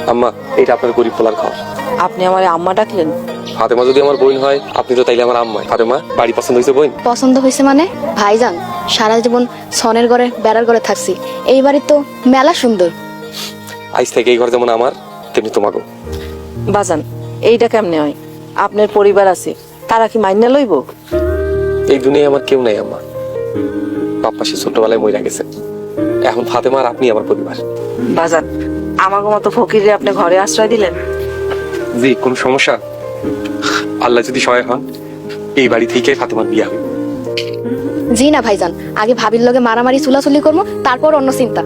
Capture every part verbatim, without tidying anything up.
আম্মা এটা আপনার গরিব পোলার ঘর। আপনি আমার আম্মা ডাকলেন? ফাতেমা যদি আমার বোন হয় আপনি তো তাইলে আমার আম্মা। ফাতেমা বাড়ি পছন্দ হয়েছে বোন? পছন্দ হয়েছে মানে ভাইজান সারা জীবন সনের ঘরে বেড়ার ঘরে থাকছি, এই বাড়ি তো মেলা সুন্দর। আজ থেকে এই ঘর যেমন আমার তেমনি তোমাকেও। বাজান এইটা কেমনে হয়? আপনার পরিবার আছে, তারা কি মাইনে লইব? এই দুনিয়ায় আমার কেউ নাই আম্মা। বাপ্পা সে ছোটবেলায় মরে গেছে, এখন ফাতেমা আর আপনি আমার পরিবার। বাজান আমাকে মতো ফকিরে আপনি ঘরে আশ্রয় দিলেন। জি কোনো সমস্যা? আল্লাহ যদি সহায় হন এই বাড়ি থেকে ফাতেমার বিয়ে হবে। জি না ভাইজান, আগে ভাবির লগে মারামারি চুলাচুলি করবো, তারপর অন্য চিন্তা।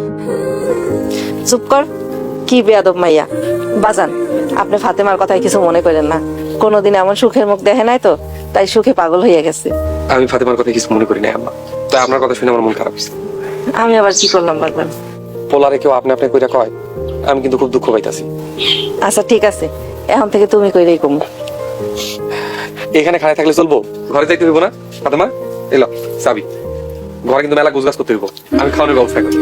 চুপ কর, কি বেয়াদব মাইয়া। বাজান আপনি ফাতেমার কথায় কিছু মনে করেন না, কোনোদিন এমন সুখের মুখ দেখে নাই তো, তাই সুখে পাগল হইয়া গেছে। আমি ফাতেমার কথা কিছু মনে করি না আম্মা, তাই আপনার কথা শুনে আমার মন খারাপ হয়েছে। আমি আবার কি করলাম বাজান? পোলারে কেউ আপনি আপনি কইরা কয়, আমি কিন্তু খুব দুঃখ পাইতাছি। আচ্ছা ঠিক আছে, এখন থেকে তুমি কইরেই কম। এখানে খাড়ায় থাকলে চলবো? ঘরে যাইতে হইব না? ফাতেমা এলো চাবি, ঘরে কিন্তু মেলা গোছগাছ করতে হইব, আমি খাওয়ানোর ব্যবস্থা করি।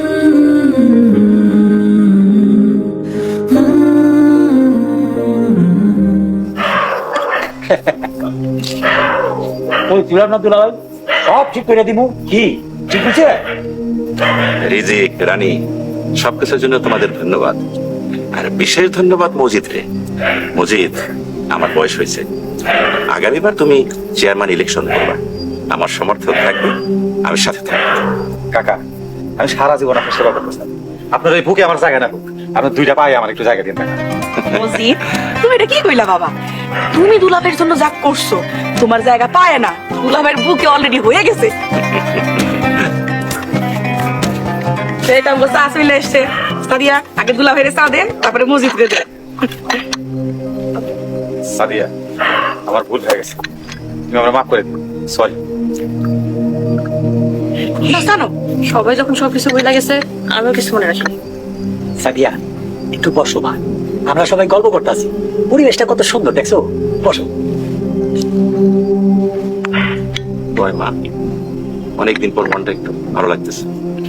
ওই তুলার না তুলা সব ঠিক করে দিব। কি ঠিক আছে? রিজিক রানী সবকিছুর জন্য তোমাদের ধন্যবাদ, আর বিশেষ ধন্যবাদ মজিদ রে। মজিদ, আমার বয়স হয়েছে, আগামীবার তুমি চেয়ারম্যান ইলেকশন করবা, আমার সমর্থন থাকবে, আমি সাথে থাকবো। কাকা আমি সারা জীবন আপনার সেবা করতেছি, আপনার এই বুকে আমার জায়গা না বুক, আপনার দুইটা পায়ে আমার একটু জায়গা দিন কাকা। মজিদ তুমি এটা কি কইলা বাবা? তুমি দুলাভের জন্য যা করছো তোমার জায়গা পায় না, দুলাভের বুকে অলরেডি হয়ে গেছে। সেটা বলছে আসলে এসছে সাদিয়া, আগে দুলাভের চা দেন তারপরে মজিদকে দেন। সাদিয়া আমার ভুল হয়ে গেছে, তুমি আমরা মাফ করে দিন, সরি। না জানো, সবাই যখন সবকিছু বলে গেছে আমিও কিছু মনে রাখিনি। সাদিয়া একটু বসো মা, আমরা সবাই গল্প করতেছি, পরিবেশটা কত সুন্দর দেখছো, বসো। বয় মা, অনেকদিন পর মনটা একটু ভালো লাগতেছে।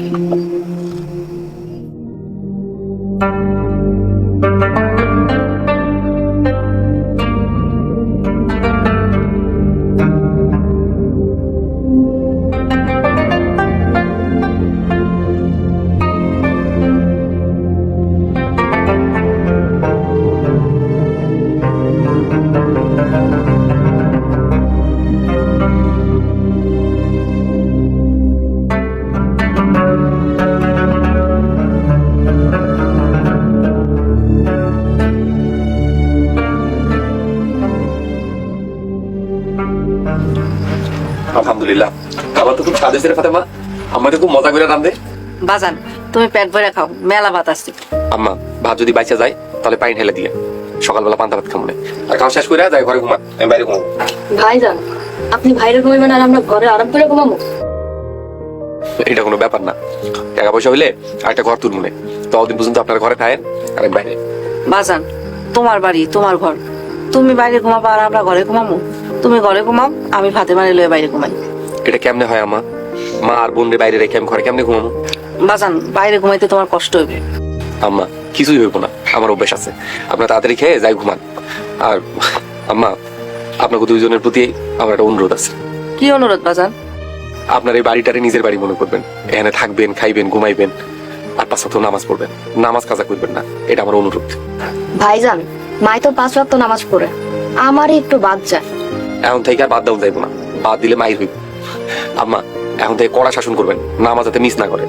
আলহামদুলিল্লাহ, খাবার তো খুব স্বাদ হয়েছে রে ফাতেমা, আমাকে খুব মজা করে রান্ধে। বাজান তুমি পেট ভরে খাও, মেলা ভাত আসছে। আম্মা ভাত যদি বাইচা যায় তাহলে পানি ঢেলে দিয়ে সকালবেলা পান্তা ভাত খাবো না, আর খাওয়া শেষ করে যাই ঘরে ঘুমা, আমি বাইরে ঘুমাবো। ভাইজান আপনি বাইরে ঘুমাইবেন আর আমরা ঘরে আরাম করে ঘুমাবো? এটা কোনো ব্যাপার না, টাকা পয়সা হইলে আরেকটা ঘর তুলমুনে, ততদিন পর্যন্ত আপনার ঘরে খায়েন আর আমি বাইরে। বাজান তোমার বাড়ি তোমার ঘর, তুমি বাইরে ঘুমাবা আর আমরা ঘরে ঘুমাবো? তুমি ঘরে ঘুমাও, আমি ফাতেমারে লয়ে বাইরে ঘুমাই। এটা কেমনে হয় আম্মা? মা আর বোন রে বাইরে রেখে আমি ঘরে কেমনে ঘুমাবো? বাজান বাইরে ঘুমাইতে তোমার কষ্ট হইবে। আম্মা কিছুই হইব না, আমার অভ্যাস আছে, আপনার তাড়াতাড়ি খেয়ে যাই ঘুমান। আর আম্মা আপনাকে দুইজনের প্রতি আমার একটা অনুরোধ আছে। কি অনুরোধ বাজান? আপনার এই বাড়িটারে নিজের বাড়ি মনে করবেন, এখানে থাকবেন, খাইবেন, ঘুমাইবেন, আর পাঁচ ওয়াক্ত নামাজ পড়বেন, নামাজ কাজা করবেন না, এটা আমার অনুরোধ। ভাইজান মাই তো পাঁচ ওয়াক্ত নামাজ পড়ে, আমারই একটু বাদ যায়। এখন থেকে আর বাদ দেওয়া যাইব না, বাদ দিলে মাইর হইব। আম্মা এখন থেকে কড়া শাসন করবেন, নামাজ যাতে মিস না করে।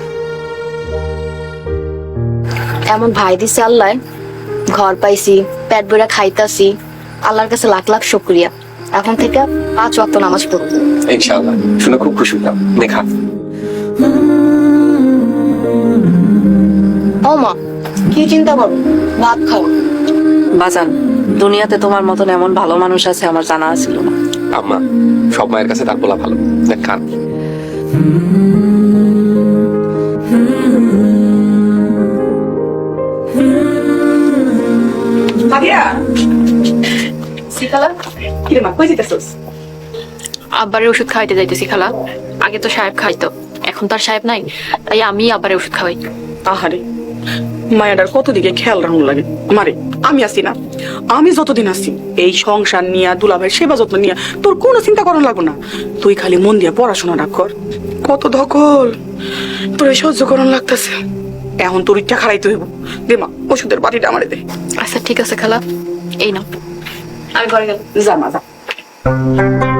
এমন ভাই দিছে আল্লাহ, ঘর পাইছি, পেট ভরে খাইতাছি, আল্লাহর কাছে লাখ লাখ শুকরিয়া। এখন থেকে পাঁচ ওয়াক্ত নামাজ পড়ব ইনশাআল্লাহ। শুনে খুব খুশি হলাম। দেখা ও মা, কি চিন্তা করো, ভাত খাও। বাজান দুনিয়াতে তোমার মতন এমন ভালো মানুষ আছে আমার জানা ছিল না। আম্মা সব মায়ের কাছে তার বলা ভালো, দেখ খান। সাদিয়া সিকালা কি রে মা, কই যাইতাছস? আব্বারের ওষুধ খাওয়াইতে যাইতেছি খালা। আগে তো সাহেব খাইতো, এখন তার সাহেব নাই, তাই আমি আব্বারের ওষুধ খাওয়াই। আহারে মায়াটার কত দিকে খেয়াল রাখুন লাগে মারে আমি আছি না, আমি যতদিন আছি এই সংসার নিয়া দুলাভাইয়ের সেবা যত্ন নিয়া তোর কোনো চিন্তা করার লাগবো না। তুই খালি মন দিয়া পড়াশোনাটা কর। কত ধকল তোর এই সহ্য করন লাগতেছে, এখন তোর ইচ্ছা খারাইতে হইব। দে মা ওষুধের বাটিটা আমারে দে। আচ্ছা ঠিক আছে খালা, এই নাও। আমি ঘরে গেলাম। যা মা যা।